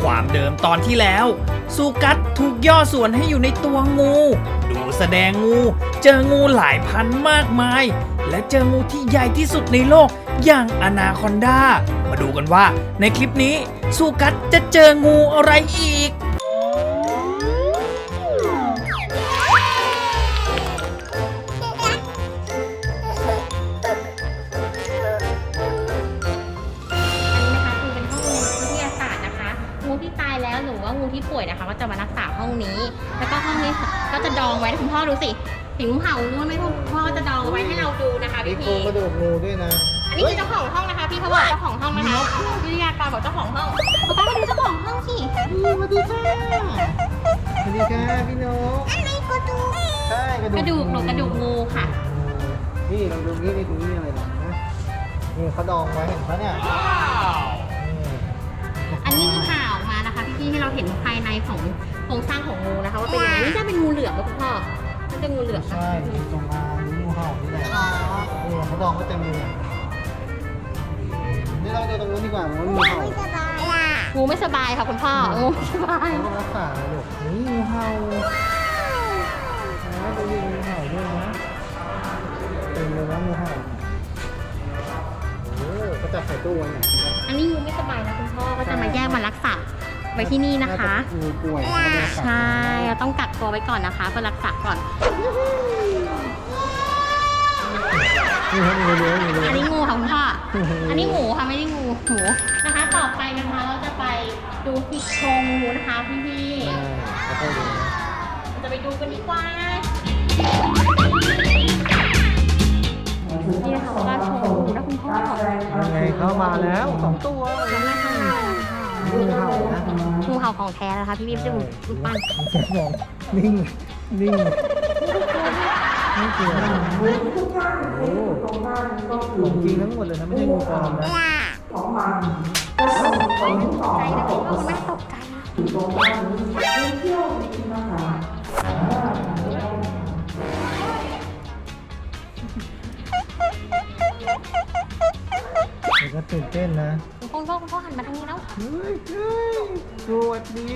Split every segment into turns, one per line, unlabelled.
ความเดิมตอนที่แล้วซูกัสถูกย่อส่วนให้อยู่ในตัวงู ดูแสดงงูเจองูหลายพันมากมาย และเจองูที่ใหญ่ที่สุดในโลกอย่างอนาคอนดามาดูกันว่าในคลิปนี้ซูกัสจะเจองูอะไรอีก
หรือว่างูที่ป่วยนะคะก็จะมารักษาห้องนี้ แล้วก็ห้องนี้ก็จะดองไว้คุณพ่อดูสิเห็นงูเห่ารู้ไหมคุณพ่อจะดองไว้ให้เราดูนะคะพี่พี
กระดูกงูด้วยนะ
อันนี้คือเจ้าของห้องนะคะพี่เขาบอกเจ้าของห้องนะคะวิทยากรบอกเจ้าของห้องป๊ามาดูเจ้าของห้องสิ
สวัสดีค่ะสวัสดีค่ะพี่นก
อะไรกระดูก
ใช่
กระดูกงูค่ะ
นี่ลองดูนี่ตรงนี้อะไรนะนี่เขาดองไว้เห็นปะเนี่ย
อันนี้คือข่าวออกมานะคะพี่ให้เราเห็นภายในของโครงสร้างของงูนะคะว่าเป็นยังไงนี่จะเป็นงูเหลือมนะคุณพ่อมันจะงูเหลือม
ใช่ตรงมางูเห่านี่แหละนี่เขาดองไว้เต็มเลยนี่เราจะตรงนู้นดีกว่ามันงูเห่า
งูไม่สบายค่ะคุณพ่องูไม่สบาย
เขารักษาเลยลูกนี่งูเห่านะดูงูเห่าด้วยนะเต็มเลยนะงูเห่าก็จะใส่ตู้ไว้เนี่ย
อันนี้งูไม่สบายนะคุณพ่อก็จะมาแยกมารักษาไว้ที่นี่นะคะ
งูป่วย
ใช่เราต้องกักตัวไว้ก่อนนะคะเพื่อรักษาก่อนอันนี้งูค่ะคุณพ่ออันนี้หมูค่ะไม่ได้งูหมูนะคะต่อไปนะคะเราจะไปดูที่โครงงูนะคะพี่จะไปดูกันดีกว่านี่นะคะว่าโชว์งูนะคุณพ่อ
ยังไงเข้ามาแล้ว2 ตัว
นั่นแหละค่ะ
งูเห่านะ
งูเห่าของแท้นะคะพี่ไม่ใช่รูปปั้น
นิ่งไม่เกี่ยวโอ้ของจริงทั้งหมดเลยนะไม่ใช่งูปลอมนะ
ของมันใจนะคุณพ่อไม่ตกใจ
ก็ตื่นเต้นนะ
คุณพ่อหันมาทางนี้แล้ว
เฮ้ยสวัสดี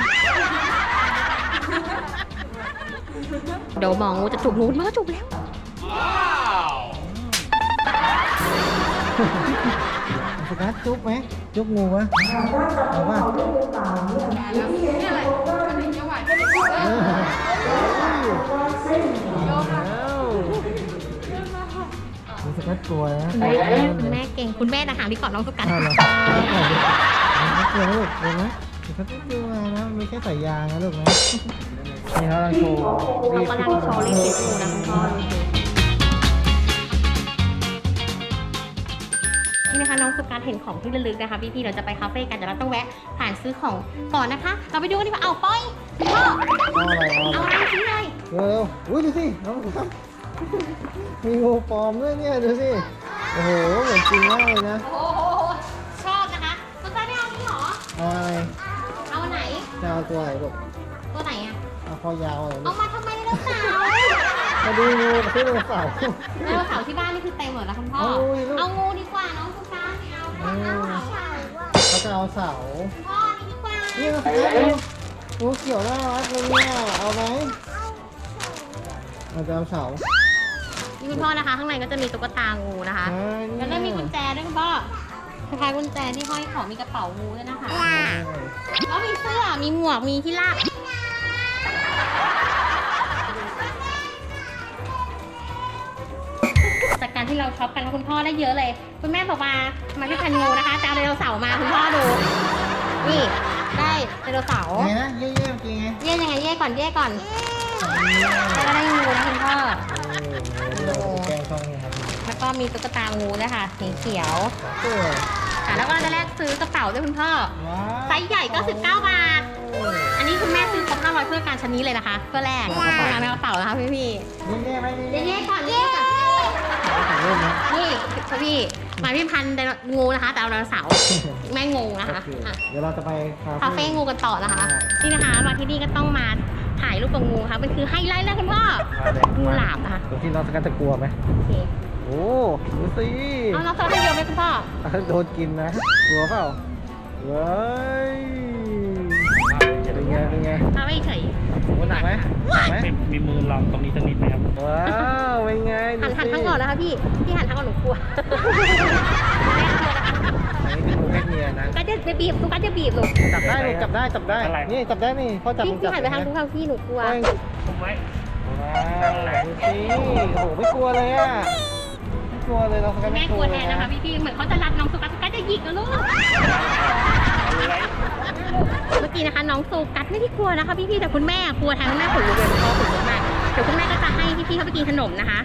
เดี๋ยวมองงูจะจุบงูมาจุบแล้ว
สกัดจุบไหมจุบงูวะเอาป่ะนี่อะไรสกัดกลัวนะ
คุณแม่เก่งคุณแม่นะคะที่กอดน้องสกัด
กลัวลูกกลัวไหมสกัดกลัวนะไม่แค่ใส่ยางนะลูกนะนี่เขาโชว์
เรากำลังโชว์รีวิวงูนะคุณพ่อนี่นะคะน้องสุการเห็นของที่ระลึกนะคะพี่เราจะไปคาเฟ่กันแต่เราต้องแวะผ่านซื้อของก่อนนะคะเราไปดูกันดีกว่าเอาป้อยพ่อเอาอะไรซื้อเลย
เร็วอุ้ยดูสิน้องครับมีงูปลอมด้วยเนี่ยดูสิโอ้โหเหมือนจริงมากเลยนะ
โอ้โหชอบนะคะคุณป้าไม่เอานี่หรอ
เอาอะไร
เอาไหน
จะเอาตัวไหนลูก
ตัวไหนอ่ะ
เอาคอยาวอะไร
เอามาทำไมไดโนเสาร์
มาดูงูซื้อไดโนเสาร์
ไดโนเสาร์ที่บ้านนี่คือเต็มหมดแล้วคุณพ่อเอางูดีกว่าน้องคุณป้าไม่เอา
เขาจะเอาเสา
พ่อนี่ดีกว่า
นี่นะครับงูเขียวน่ารักเลยเนี่ยเอาไหมเราจะเอาเสา
นี่คุณพ่อนะคะข้างในก็จะมีตุ๊กตางูนะคะแล้วก็มีกุญแจด้วยคุณพ่อคล้ายๆกุญแจที่ห้อยของมีกระเป๋างูด้วยนะคะแล้วมีเสื้อมีหมวกมีที่ลากจากการที่เราช็อปกันคุณพ่อได้เยอะเลยคุณแม่บอกมาที่พันงูนะคะจะเอาไดโนเสาร์มาคุณพ่อดูนี่ได้ไดโนเสาร์
ไงนะเย่จริงไง
ยังไงเย่ก่อนแล้วก็ได้งูนะคุณพ่อแล้วก็มีตุ๊กตางูนะคะสีเขียวแล้วก็จะแลกซื้อกระเป๋าด้วยคุณพ่อไซส์ใหญ่ก็19 บาทอันนี้คุณแม่ซื้อครบ500เพื่อการชั้นนี้เลยนะคะเพื่อแลกงานในกระเป๋านะคะพี่เย่ก่อนนี่พี่มาพี่พันงูนะคะแต่เอาไดโนเสาร์แม่งงนะคะ
เดี๋ยวเราจะไป
คาเฟ่งูกันต่อนะคะนี่นะคะมาที่นี่ก็ต้องมาถ่ายรูปกับงูค่ะมันคือไฮไลท์เลยคุณพ่องูหลามนะคะ
ที่น้องสกัดจะกลัวไหมโอ้ดูสิ
เอาน้องสกัดเดียวไหมคุณพ่อ
โดนกินนะกลัวเปล่าเว้ยไหมถูกไหม
มีมือลองตรงนี้สักนิดไหมครับ
ว้าวเป็นไง
หันทั้งก่อนนะคะพี่หันทั้งก่อนหนูกลัว
อันนี้คืองูเพศเมียนะ
ก็จะบีบตุ๊กตาจะบีบหนู
จับได้ลูกจับได้จับได้นี่จับได้นี่พ่อจับ
พี่
มึงจับ
หันไปทางทุกทางพี่หนูกลัว
ผมไว้
ว้าวดูสิโอ้โหไม่กลัวเลยอ่ะไม่กลัวเลยเรา
แม่กลัวแทนนะคะพี่เหมือนเขาจะรัดน้องสุกัสจะหยิกนะลูก เมื่อกี้นะคะน้องโซกัสไม่ได้กลัวนะคะพี่แต่คุณแม่กลัวแทนคุณแม่ขนลุกเลยคุณพ่อขนลุกมากเดี๋ยวคุณแม่ก็จะให้พี่เขาไปกินขนมนะคะ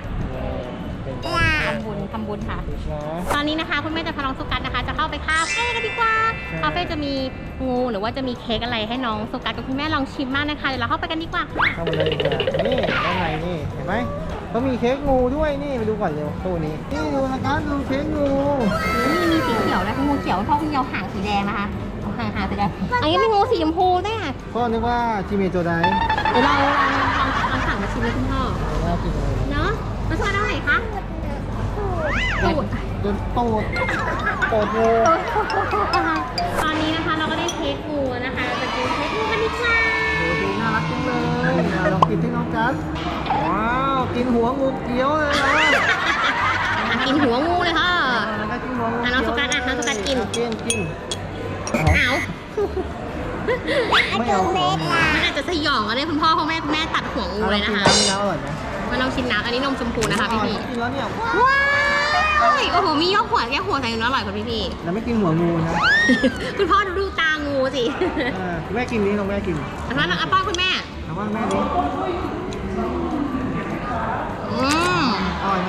ทำบุญค่ะ ตอนนี้นะคะคุณแม่จะพาน้องโซกัสนะคะ จะเข้าไปคาเฟ่กันดีกว่าคาเฟ่จะมีงูหรือว่าจะมีเค้กอะไรให้น้องโซกัสกับคุณแม่ลองชิมมากนะคะเดี๋ยวเราเข้าไปกันดีกว่า
เข้ามาเลยดีกว่านี่ด้านในนี่เห็นไหมเขามีเค้กงูด้วยนี่ไปดูก่อนเร็วตู้นี้นี่ดูนะครับดูเค้กงู
นี่มีสีเขียวนะงูเขียวเพราะคุณยาวหางสีแดงนะคะหางสีแดงอันนี้มีงูสีชมพูด้วยค่ะ
พ่อนึกว่าจิเมโจได
เดี๋ยวเราลองสั่งมาชิมเลยคุณพ่อ
น่ากินเลย
เนาะมันชอบเท่าไหร่คะตูด
โดนตูดงู
ตอนนี้นะคะเราก็ได้เค้กงูนะคะเราจะกินเค้กงูกันดีกว่า
ดูดีน่ารักจังเลยลองกินที่น้องกัสว้าวกินหัวงูเกี้ยวเลยนะ
กินหัวงูเลยค่ะ
แล้วก็กินหัวงู
น้องสุกัสน้องสุกัสกิน
กิน
เอา
ไม่เอาของ
มันอาจจะสยองก็ได้คุณพ่อเพราะแม่ตัดหัวงูเลยนะคะ
น้ำอร่อยไหม
มาลองชิมน้ำอันนี้นมชมพูนะคะพี่
กินแล้วเนี่ย
ว้าวโอ้โหมียกหัวแก้หัวใส่น้ำอร่อยกว่าพี่
เราไม่กินหัวงูนะ
คุณพ่อดูตางูสิ
แม่กินนี้น้องแม่กิน
อันนั้นอ่ะป้อนคุณแม่
เอาว่าแม่ดิ
อืม
อร่อยไหม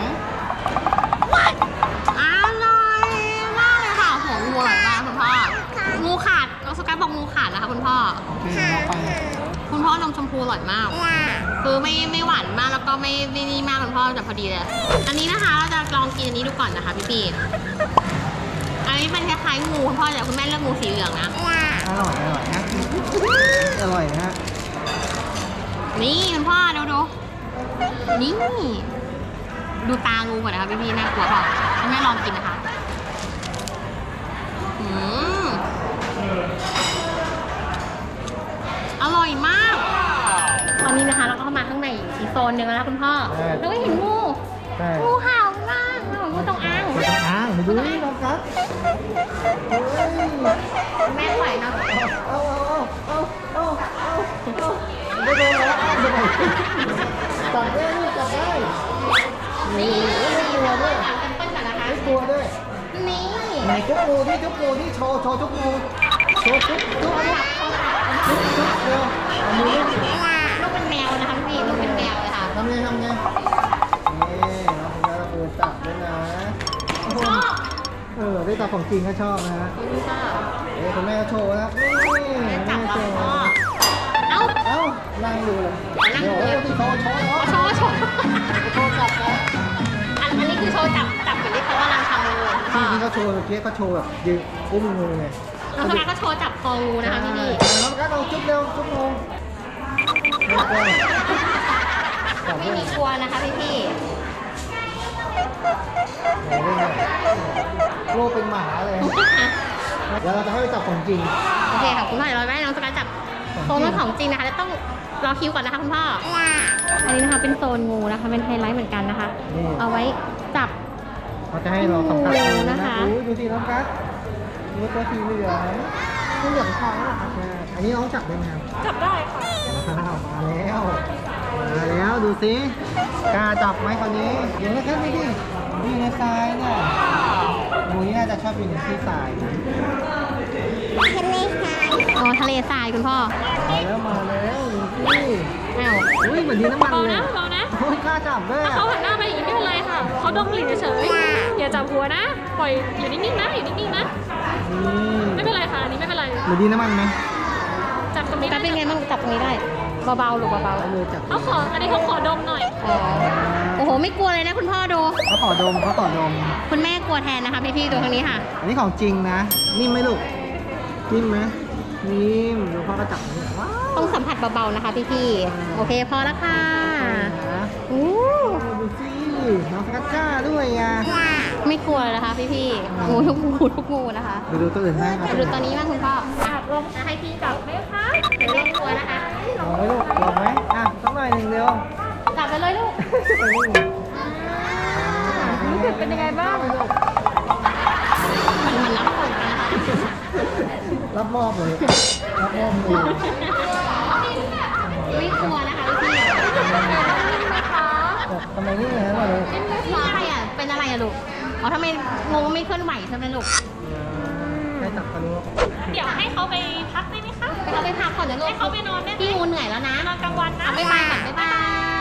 อร่อยมากเลยค่ะหัวงูอร่อยมากคุณพ่องูขาดน้องสกัดบอกงูขาดนะคะคุณพ่อ
โอเคเราไป
คุณพ่อนมชมพูอร่อยมาก คือไม่หวานมากแล้วก็ไม่นี่มากคุณพ่อแต่พอดีเลย อันนี้นะคะเราจะลองกินอันนี้ดูก่อนนะคะพี่อันนี้เป็นคล้ายๆงูคุณพ่อแต่คุณแม่เลือกงูสีเหลืองนะ
อร่อยนะอร่อยนะฮะ
นี่คุณพ่อดูนี่ดูตางูก่อนนะคะพี่น่ากลัวเปล่าคุณแม่ลองกินนะคะอร่อยมาก ตอนนี้นะคะเราก็เข้ามาข้างในอีกโซนหนึ่งแล้วนะคุณพ่อแล้วก็เห็นงู
ใช่
งูเห่าล่างงูจงอาง
อ้างดูนี่น้องกัสเฮ้ย
แม่ปล่อยเนาะ
เอาไม่โดนแล้วจับได้ลูกจับได้
นี่
ไม่กลัวด้วย
ถามกันเปิ้ลก่อนนะคะ
ไม่กลัวด้วย
นี่
ไหนจุกงูที่โชว์จุกงูโชว์จุกเร็วเอามือลูก
ลูกเป็นแมวนะคะพี่ลูกเป็นแมวเลยค่ะ
ทำไงนี่เราจับด้วยนะ
ชอบ
ได้จับของจริงก็ชอบนะฮะ
คุณพ่อ
คุณแม่ก็โชว์นะนี่
แม่
แม่
จับ
โช
เรา
ว์
พ่อเอ้า
นั่งดูเลยเดี๋ยวที่โชว์
โชว์
จับนะ
อันนี้คือโชว์จับเหมือนที่เขากำลังทำงูพ่อ
ที่เขาโชว์เมื่อกี้เขาโชว์แบบยืนอุ้มงูไง
น้องสกายก็โชว์จับคองูนะคะพี่
น้องกัสเอาจุ๊บเร็วจุ๊บงู
ไม่มีกลัวนะคะพี่
โลกเป็นหมาเลย เดี๋ยวเราจะให้ไปจับของจริง
โอเคค่ะคุณพ่อเดี๋ยวเราให้น้องสกายจับโซนของจริงนะคะแล้วต้องรอคิวก่อนนะคะคุณพ่ออันนี้นะคะเป็นโซนงูนะคะเป็นไฮไลท์เหมือนกันนะคะ เอาไว้จับ
เขาจะให้เราสัมผัส
งูนะคะ
ดูสิน้องกัสดูตัวสีเหลือง
งูเหลืองทองเหรอคะ
ใช่อันนี้น้องจับได้ไหมครับ
จับได้ค่ะ
มาแล้วดูสิกล้าจับไหมคราวนี้เดี๋ยวนะแค่นี้ดิอยู่ในทรายเนี่ยงูนี่น่าจะชอบอยู่ในที่ทรายนะ
อ๋อทะเลทรายคุณพ่อ
มาแล้วดูสิ
อ้าว
อุ้ยเหมือนดินน้ำมัน
เบา
เลย
นะเบานะ
โอ้ยกล้าจับด้วย
ถ้าเขาหันหน้ามาอย่างนี้ไม่เป็นไรค่ะ เขาดมกลิ่นเฉยๆอย่าจับหัวนะ ปล่อยอยู่นิ่งๆนะ อยู่นิ่งๆนะ ไม่เป็นไรค่ะ อันนี้ไม่เป็นไร
เหมือนดินน้ำมันไหม
จับตรงนี้
กั
ได้
นเป็นไงบ้างจับตรงนี้ได้ เบาๆหรือเบา
เอามือจับ
อันนี้เขาขอดมหน่อย
ๆอ๋อโอ้โหไม่กลัวเลยนะคุณพ่อดู
เขาต่อดม
คุณแม่กลัวแทนนะคะพี่ๆตัวทางนี้ค่ะ
อันนี้ของจริงนะ นิ่มไหมลูก นิ่มไหมนิ่มดูพ่อก็จับนี่ว้าว
ต้องสัมผัสเบาๆนะคะพี่ๆโอเคพอแล้วค่ะ
นะ
อู้
ดูสิน้องสกัดกล้าด้วยอ่ะ
ไม่กลัวเลยนะคะพี่ๆงูทุกงูนะคะ
ดูตัวอื่นให้นะ
ดูตอนนี้บ้างคุณพ่อลองให้พี่จับไหมคะเดี๋ยวเล่นกลัวนะคะ
ลองไหมลูกลองไหมอ่ะอยหนึ่งเดียว
จับไปเลยลูก
รู้สึกเป็นยังไงบ้าง
มันรับส่งกันนะคะ
รับมอบเลย รับมอบมือ
ไม่กลัวนะคะพี่
ทำไมนี่ฮะมาเลย
นี่อะไรอ่ะ เป็นอะไรอ่ะลูก อ๋อทำไมงูไม่เคลื่อนไหวใช่ไหมลูก
ให้จับกันรู้
เดี๋ยวให้เขาไปพักได้ไหมคะ
ไปเขาไปพักก่อนนะลูก
ให้เขาไปนอนได้ไหม
พี่งูเหนื่อยแล้วนะ
นอนกลางวันนะ
บ๊ายบายก่อนบ๊ายบาย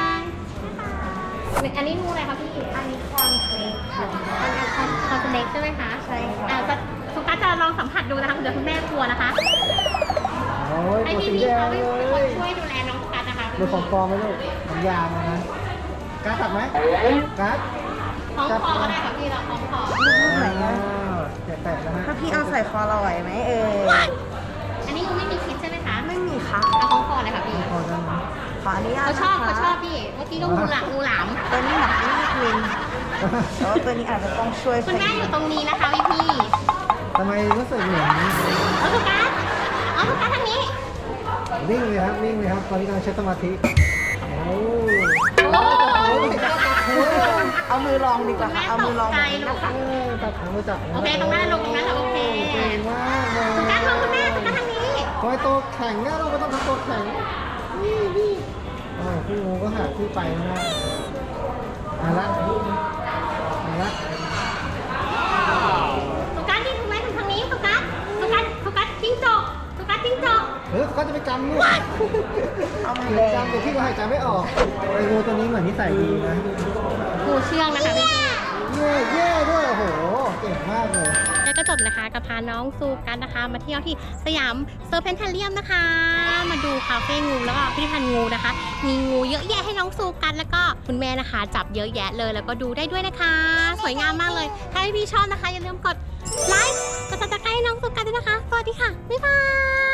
อันนี้งูอะไรคะพี่ อันนี้คอนเฟลกคอนเฟลกใช่ไหมคะ ใช่ค่ะสุกัสจะลองสัมผัสดูนะคะเดี๋ยวคุณแม่กลัวนะคะ
โอ้ย
ให้
ตัว
พี่
สี
พี่
แดง
เขา
เล
เป็นคน
ย
ช่วยดูแลน้องสุกัสนะคะ
ดูของปลอมไหมลูกมันยาวนะการ์ดจับไหมการ์ด
คล้องคอก็ได้ค่ะพี่เราคล้องคอ
แตะๆนะฮะ
ถ้าพี่เอาใส่คอเราไหวไหม
อันนี้งูไม่มีพิษใช่ไหมคะ
ไม่มีค่ะ
เอาคล้องคอเลยค่ะพี่
พอกันนะ
ขออนุญาต
เขา
นะคะ
ชอบพี่เมื่อกี้ก็งูหลาม
ตัวนี้หนักนิดนึงแต่ว่าตัวนี้อาจจะต้องช่วย
คุณแม่อยู่ตรงนี้นะคะพี่
ทำไมรู้สึกเหมือน
เอาสุกัสเอาสุกัสทางนี้
วิ่งเลยครับวิ่งเลยครับตอนนี้กำลังใช้สมาธิโอ้
โอ้ย
เอามือลองดีกว่า
แม่
ค่ะ เอา
ต
มือกลอง
ใจลูก
จับขามือจับ
โอเคตรงนั้นลงตรงนั้นเหรอโอเค
เก่งมากเลย
สุกัสมองคุณแม่สุกัสทางนี้
ทำไมตัวแข็งเนี่ยเราก็ต้องทำตัวแข็งนี่พี่งูก็หาที่ไปแล้วนะมาละ
สุกัสนี่คุณแม่ทางนี้สุกัสจิ้งจกสุกัสจิ้งจก
ก็จะไปกำลูก
เอามือ
เดี๋ยวจำเดี๋ยวพี่ก็หายใจไม่ออกไอ้งูตัวนี้เหมือนนิสัยดีนะ
งูเชื่องนะคะพี่
เย่ด้วยโอ้โหเก่งมากเลย
แล้วก็จบนะคะกับพาน้องซูกันนะคะ มาเที่ยวที่สยามเซอร์เพนทาเรียมนะคะ มาดูคาเฟ่งูแล้วก็พิพิธภัณฑ์งูนะคะ มีงูเยอะแยะให้น้องซูกันแล้วก็คุณแม่นะคะ จับเยอะแยะเลยแล้วก็ดูได้ด้วยนะคะ สวยงามมากเลย ถ้าพี่ชอบนะคะอย่าลืมกดไลค์กดติดตามให้น้องซูกันด้วยนะคะ สวัสดีค่ะ บ๊ายบาย